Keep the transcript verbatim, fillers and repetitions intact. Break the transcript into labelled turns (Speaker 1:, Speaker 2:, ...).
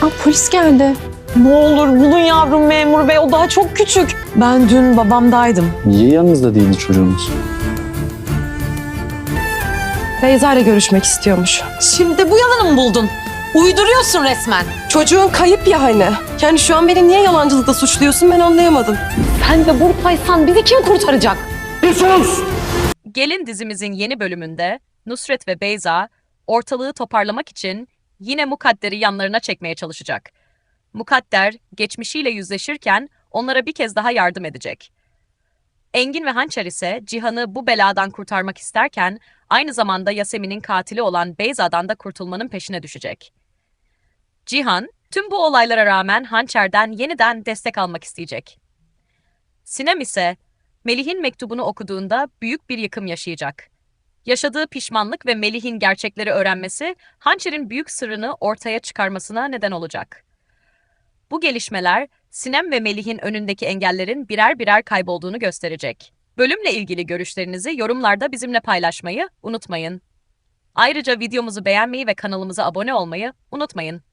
Speaker 1: polis geldi.
Speaker 2: Ne olur bulun yavrum memur bey, o daha çok küçük. Ben dün babamdaydım.
Speaker 3: Niye yanınızda değildi çocuğunuz?
Speaker 1: Beyza ile görüşmek istiyormuş.
Speaker 2: Şimdi bu yalanı mı buldun? Uyduruyorsun resmen.
Speaker 1: Çocuğun kayıp ya hani. Yani şu an beni niye yalancılıkla suçluyorsun ben anlayamadım.
Speaker 2: Sen de buradaysan bizi kim kurtaracak?
Speaker 4: Gelin dizimizin yeni bölümünde Nusret ve Beyza ortalığı toparlamak için yine Mukadder'i yanlarına çekmeye çalışacak. Mukadder geçmişiyle yüzleşirken onlara bir kez daha yardım edecek. Engin ve Hançer ise Cihan'ı bu beladan kurtarmak isterken aynı zamanda Yasemin'in katili olan Beyza'dan da kurtulmanın peşine düşecek. Cihan tüm bu olaylara rağmen Hançer'den yeniden destek almak isteyecek. Sinem ise Melih'in mektubunu okuduğunda büyük bir yıkım yaşayacak. Yaşadığı pişmanlık ve Melih'in gerçekleri öğrenmesi Hançer'in büyük sırrını ortaya çıkarmasına neden olacak. Bu gelişmeler Sinem ve Melih'in önündeki engellerin birer birer kaybolduğunu gösterecek. Bölümle ilgili görüşlerinizi yorumlarda bizimle paylaşmayı unutmayın. Ayrıca videomuzu beğenmeyi ve kanalımıza abone olmayı unutmayın.